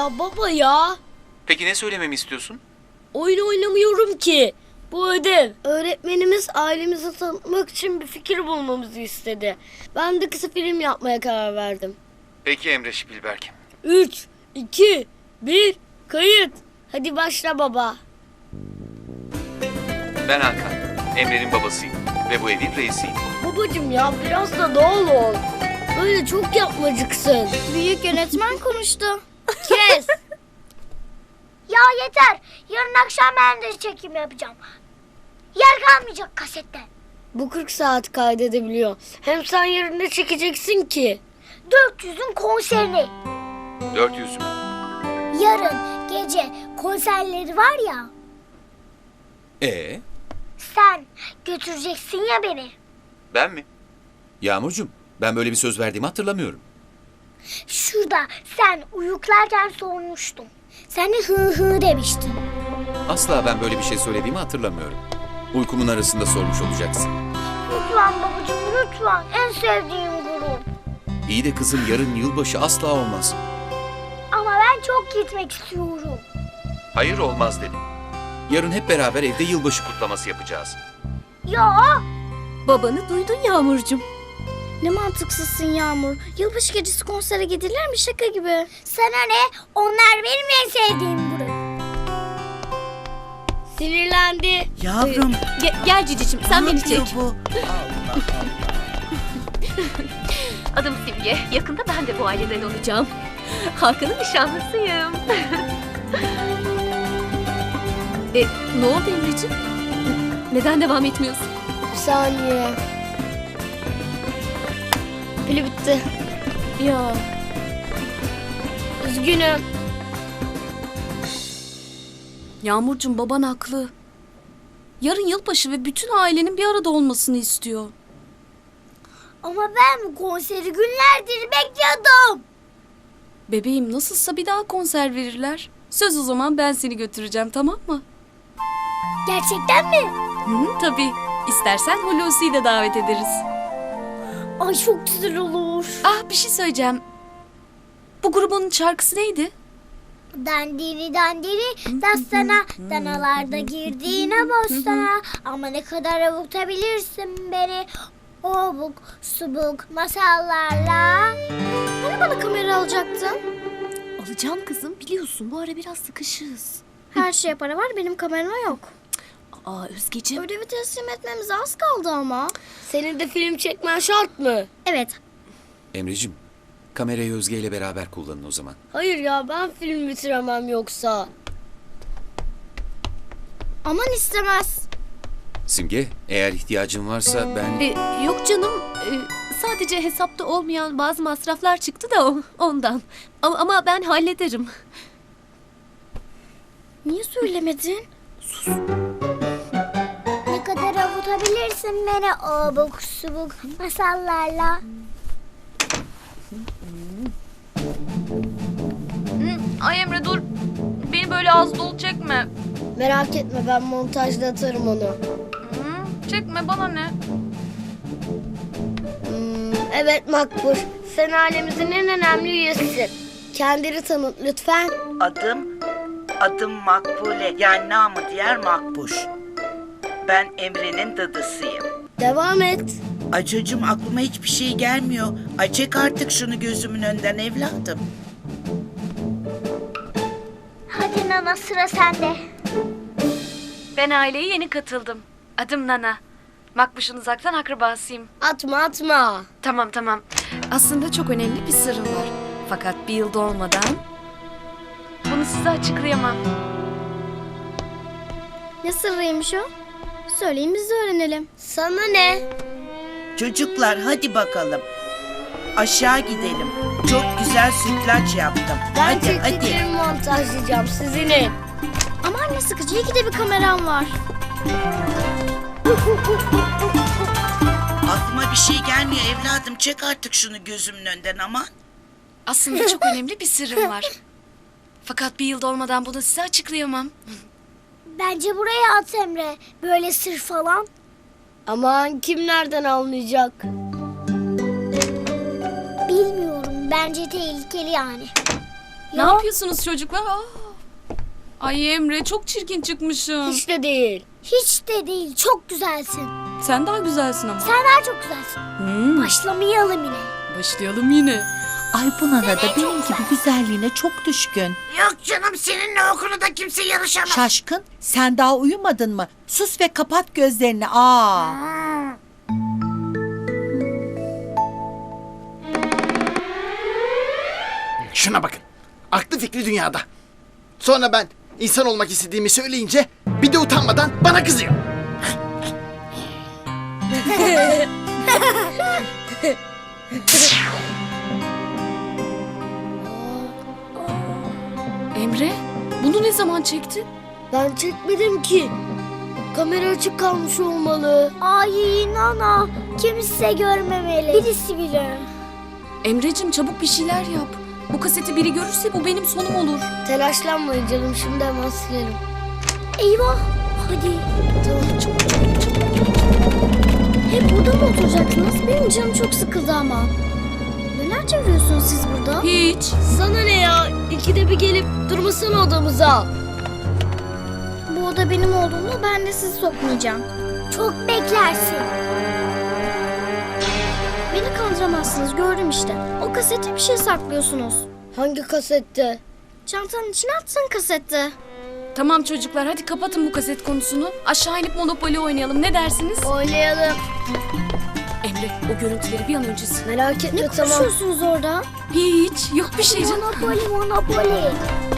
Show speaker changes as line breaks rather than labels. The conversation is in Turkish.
Ya baba ya.
Peki ne söylememi istiyorsun?
Oyun oynamıyorum ki. Bu ödev. Öğretmenimiz ailemizi tanıtmak için bir fikir bulmamızı istedi. Ben de kısa film yapmaya karar verdim.
Peki Emre Şipilberk.
3, 2, 1, kayıt. Hadi başla baba.
Ben Hakan. Emre'nin babasıyım. Ve bu evin reisiyim.
Babacım ya biraz da doğal ol. Böyle çok yapmacıksın.
Büyük yönetmen konuştu.
Kes.
Ya yeter. Yarın akşam ben de çekim yapacağım. Yer kalmayacak kasette.
Bu 40 saat kaydedebiliyor. Hem sen yarın ne çekeceksin ki?
400'ün konserini.
400 mü?
Yarın gece konserleri var ya. Sen götüreceksin ya beni.
Ben mi?
Yağmurcuğum, ben böyle bir söz verdiğimi hatırlamıyorum.
Şurada sen uyuklarken sormuştum. Sen de hı hı demiştin.
Asla ben böyle bir şey söylediğimi hatırlamıyorum. Uykumun arasında sormuş olacaksın.
Lütfen babacığım lütfen. En sevdiğim grup.
İyi de kızım, yarın yılbaşı asla olmaz.
Ama ben çok gitmek istiyorum.
Hayır, olmaz dedim. Yarın hep beraber evde yılbaşı kutlaması yapacağız.
Ya
Babanı duydun Yağmurcuğum.
ne mantıksızsın Yağmur. Yılbaşı gecesi konsere gidilir mi, şaka gibi? Sana ne? Onlar benim en sevdiğim grup.
Sinirlendi.
Yavrum.
Gel Ciciciğim, sen
ne
beni
yapıyor
çek.
bu?
Adım Simge. Yakında ben de bu aileden olacağım. Hakan'ın nişanlısıyım. Ne oldu Emre'ciğim? Neden devam etmiyorsun?
Bir saniye. Pili bitti.
Ya
Üzgünüm.
Yağmurcuğum, baban haklı. Yarın yılbaşı ve bütün ailenin bir arada olmasını istiyor.
Ama ben bu konseri günlerdir bekliyordum.
Bebeğim, nasılsa bir daha konser verirler. Söz, o zaman ben seni götüreceğim, tamam mı?
Gerçekten mi?
Tabii. İstersen Hulusi'yi de davet ederiz.
Ay çok güzel olur.
Ah, bir şey söyleyeceğim. Bu grubun şarkısı neydi?
Dandiri dandiri dastana, danalarda girdiğine bostana. Ama ne kadar avutabilirsin beni obuk subuk masallarla. Hani bana kamera alacaktın?
Alacağım kızım, biliyorsun bu ara biraz sıkışız.
Her şeye para var, benim kamerama yok.
Aa Özgeciğim.
Ödevi teslim etmemize az kaldı ama.
Senin de film çekmen şart mı?
Evet.
Emreciğim, kamerayı Özge ile beraber kullanın o zaman.
Hayır ya, ben film bitiremem yoksa.
Aman istemez.
Simge, eğer ihtiyacın varsa ben...
Yok canım. Sadece hesapta olmayan bazı masraflar çıktı da ondan. Ama ben hallederim.
Niye söylemedin? Sus. Ne kadar avutabilirsin beni obuk subuk masallarla.
Ay Emre dur. Beni böyle az dolu çekme.
Merak etme, ben montajda atarım onu.
Çekme, bana ne?
Evet Makbul, sen ailemizin en önemli üyesisin. Kendini tanıt lütfen.
Adım Makbule. Yani namı diğer Makbuş. Ben Emre'nin dadısıyım.
Devam et.
Ay çocuğum, aklıma hiçbir şey gelmiyor. Ay çek artık şunu gözümün önünden evladım.
Hadi Nana, sıra sende.
Ben aileye yeni katıldım. Adım Nana. Makbuş'un uzaktan akrabasıyım.
Atma.
Tamam. Aslında çok önemli bir sırrım var. Fakat bir yıl dolmadan bunu size açıklayamam.
Ne sırrıymış o? Söyleyin biz de öğrenelim.
Sana ne?
Çocuklar hadi bakalım. Aşağı gidelim. Çok güzel sütlaç yaptım.
Ben
hadi.
çektiklerimi montajlayacağım, sizin.
Aman ne sıkıcı, iyi ki de bir kameram var.
Aklıma bir şey gelmiyor evladım. Çek artık şunu gözümün önünden aman.
Aslında çok önemli bir sırrım var. Fakat bir yıl dolmadan bunu size açıklayamam.
Bence buraya at Emre. Böyle sır falan.
Aman kim nereden anlayacak?
Bilmiyorum, bence tehlikeli yani.
Ne yapıyorsunuz çocuklar? Aa. Ay Emre çok çirkin çıkmışsın.
Hiç de değil.
Hiç de değil. Çok güzelsin.
Sen daha güzelsin ama.
Sen daha çok güzelsin. Başlamayalım yine.
Başlayalım yine.
Ay bu Nana da benim gibi güzelliğine çok düşkün.
Yok canım seninle o konuda kimse yarışamaz.
Şaşkın, sen daha uyumadın mı? Sus ve kapat gözlerini. Aa.
Şuna bakın. Aklı fikri dünyada. Sonra ben insan olmak istediğimi söyleyince bir de utanmadan bana kızıyor.
Emre bunu ne zaman çektin?
Ben çekmedim ki. Kamera açık kalmış olmalı.
Ay Nana. Kimse görmemeli. Birisi bile.
Emre'cim çabuk bir şeyler yap. Bu kaseti biri görürse bu benim sonum olur.
Telaşlanmayın canım, şimdi hemen silerim.
Eyvah. Hadi.
Tamam, çok
Hep burada mı oturacaksınız? Benim canım çok sıkıldı ama. Neler çeviriyorsunuz siz burada?
Hiç.
Sana ne ya? İkide bir gelip durmasana odamıza.
Bu oda benim olduğunda ben de sizi sokmayacağım. Çok beklersin. Beni kandıramazsınız, gördüm işte. O kasette bir şey saklıyorsunuz.
Hangi kasette?
Çantanın içine attın kasette.
Tamam çocuklar hadi kapatın bu kaset konusunu. Aşağı inip Monopoly oynayalım ne dersiniz?
Oynayalım.
Emre o görüntüleri bir an önce sil.
Merak etme,
Ne
tamam.
konuşuyorsunuz orada?
Hiç yok bir şey canım.
Monopoly, Monopoly.